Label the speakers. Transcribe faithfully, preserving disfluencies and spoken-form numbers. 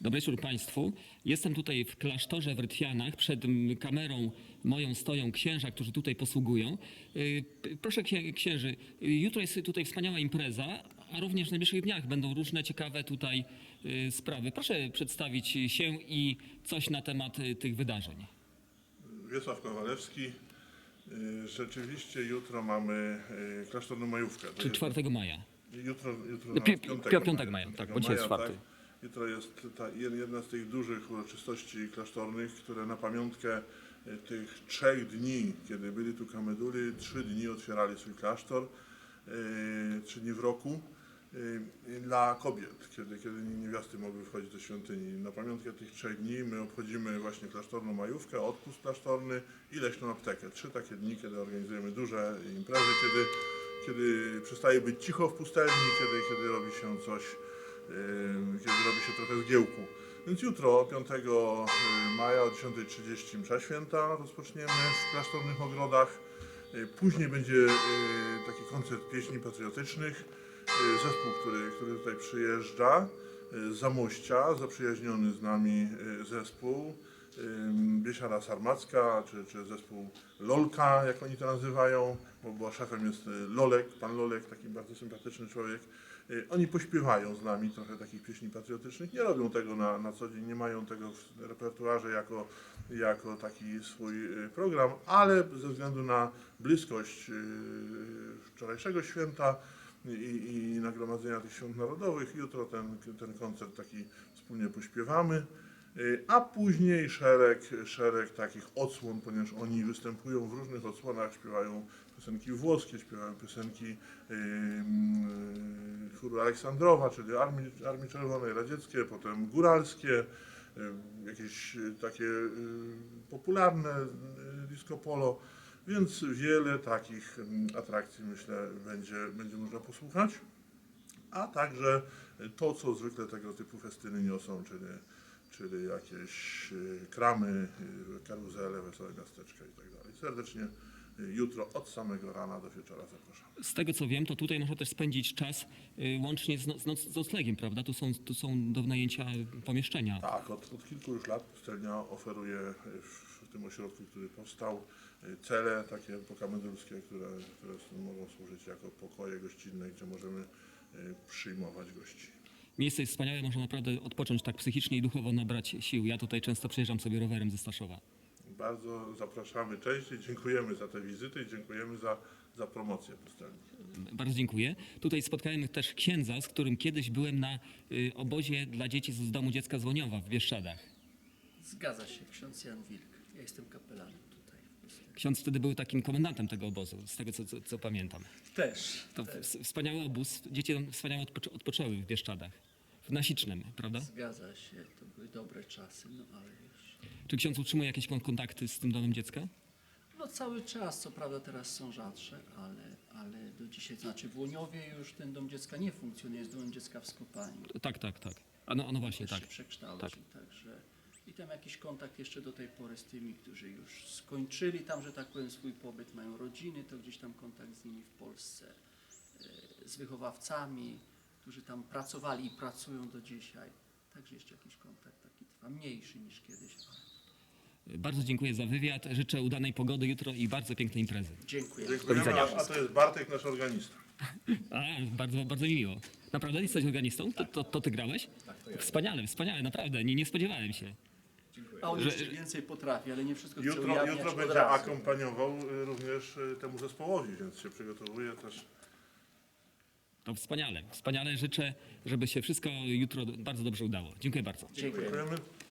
Speaker 1: Dobry wieczór Państwu. Jestem tutaj w klasztorze w Rytwianach. Przed m, kamerą moją stoją księża, którzy tutaj posługują. Y, p- Proszę księ- księży, y, jutro jest tutaj wspaniała impreza, a również w najbliższych dniach będą różne ciekawe tutaj y, sprawy. Proszę przedstawić się i coś na temat y, tych wydarzeń.
Speaker 2: Wiesław Kowalewski. Y, Rzeczywiście jutro mamy y, klasztorną majówkę. To
Speaker 1: Czy
Speaker 2: jest-
Speaker 1: czwartego maja?
Speaker 2: Jutro, jutro
Speaker 1: No, pi-
Speaker 2: nawet
Speaker 1: pi-
Speaker 2: piątego
Speaker 1: piątek maja, tak, bo dzisiaj jest czwarty.
Speaker 2: Jutro jest ta jedna z tych dużych uroczystości klasztornych, które na pamiątkę y, tych trzech dni, kiedy byli tu kameduli, trzy dni otwierali swój klasztor, y, trzy dni w roku. y, Dla kobiet, kiedy, kiedy niewiasty mogły wchodzić do świątyni. Na pamiątkę tych trzech dni my obchodzimy właśnie klasztorną majówkę, odpust klasztorny i leśną aptekę. Trzy takie dni, kiedy organizujemy duże imprezy, kiedy, kiedy przestaje być cicho w pustelni, kiedy, kiedy robi się coś, yy, kiedy robi się trochę zgiełku. Więc jutro, piątego maja o dziesiątej trzydzieści msza święta rozpoczniemy w klasztornych ogrodach. Yy, Później będzie yy, taki koncert pieśni patriotycznych. Zespół, który, który tutaj przyjeżdża z Zamościa, zaprzyjaźniony z nami zespół Biesiada Sarmacka, czy, czy zespół Lolka, jak oni to nazywają, bo, bo szefem jest Lolek, pan Lolek, taki bardzo sympatyczny człowiek. Oni pośpiewają z nami trochę takich pieśni patriotycznych, nie robią tego na, na co dzień, nie mają tego w repertuarze jako, jako taki swój program, ale ze względu na bliskość wczorajszego święta i, i nagromadzenia tych świąt narodowych. Jutro ten, ten koncert taki wspólnie pośpiewamy, y, a później szereg, szereg takich odsłon, ponieważ oni występują w różnych odsłonach, śpiewają piosenki włoskie, śpiewają piosenki y, y, chóru Aleksandrowa, czyli Armii, Armii Czerwonej, radzieckie, potem góralskie, y, jakieś y, takie y, popularne y, disco polo. Więc wiele takich mm, atrakcji, myślę, będzie, będzie można posłuchać, a także to, co zwykle tego typu festyny niosą, czyli, czyli jakieś y, kramy, y, karuzele, wesołe miasteczka i tak dalej. Serdecznie y, jutro od samego rana do wieczora zapraszam.
Speaker 1: Z tego co wiem, to tutaj można też spędzić czas y, łącznie z, no, z, noc, z noclegiem, prawda? Tu są, tu są do wynajęcia pomieszczenia.
Speaker 2: Tak, od, od kilku już lat pustelnia oferuje w, w tym ośrodku, który powstał, y, cele takie pokamedulskie, które, które s- mogą służyć jako pokoje gościnne, gdzie możemy y, przyjmować gości.
Speaker 1: Miejsce jest wspaniałe, można naprawdę odpocząć tak psychicznie i duchowo, nabrać sił. Ja tutaj często przejeżdżam sobie rowerem ze Staszowa.
Speaker 2: Bardzo zapraszamy częściej, dziękujemy za te wizyty i dziękujemy za, za promocję pustelni.
Speaker 1: Bardzo dziękuję. Tutaj spotkałem też księdza, z którym kiedyś byłem na y, obozie dla dzieci z domu dziecka z Łoniowa w Bieszczadach.
Speaker 3: Zgadza się, ksiądz Jan Wilk. Ja jestem kapelanem tutaj.
Speaker 1: Ksiądz wtedy był takim komendantem tego obozu, z tego co, co, co pamiętam.
Speaker 3: Też.
Speaker 1: To w- wspaniały obóz, dzieci tam wspaniale odpoczę, odpoczęły w Bieszczadach. W Nasicznem, prawda?
Speaker 3: Zgadza się, to były dobre czasy, no ale już.
Speaker 1: Czy ksiądz utrzymuje jakieś kon- kontakty z tym domem dziecka?
Speaker 3: No cały czas, co prawda teraz są rzadsze, ale, ale do dzisiaj, znaczy w Łoniowie już ten dom dziecka nie funkcjonuje, jest domem dziecka w Skopaniu.
Speaker 1: Tak, tak, tak. A no, no właśnie,
Speaker 3: Też
Speaker 1: tak.
Speaker 3: się przekształcił, także i tam jakiś kontakt jeszcze do tej pory z tymi, którzy już skończyli tam, że tak powiem, swój pobyt, mają rodziny, to gdzieś tam kontakt z nimi w Polsce, e, z wychowawcami, którzy tam pracowali i pracują do dzisiaj. Także jeszcze jakiś kontakt taki trwa, mniejszy niż kiedyś, ale
Speaker 1: Bardzo dziękuję za wywiad. Życzę udanej pogody jutro i bardzo pięknej imprezy.
Speaker 3: dziękuję.
Speaker 2: Dziękujemy, a, a to jest Bartek, nasz organista.
Speaker 1: A, bardzo, bardzo mi miło. Naprawdę jesteś organistą? To, to, to ty grałeś? Wspaniale, wspaniale, naprawdę. Nie, nie spodziewałem się.
Speaker 3: A on
Speaker 1: Że-
Speaker 3: jeszcze więcej potrafi, ale nie wszystko chce
Speaker 2: Jutro,
Speaker 3: ujawniać
Speaker 2: jutro
Speaker 3: od
Speaker 2: będzie
Speaker 3: razu.
Speaker 2: akompaniował y, również y, temu zespołowi, więc się przygotowuje też.
Speaker 1: To wspaniale, wspaniale. Życzę, żeby się wszystko jutro bardzo dobrze udało. Dziękuję bardzo.
Speaker 3: Dziękuję.
Speaker 2: Dziękujemy.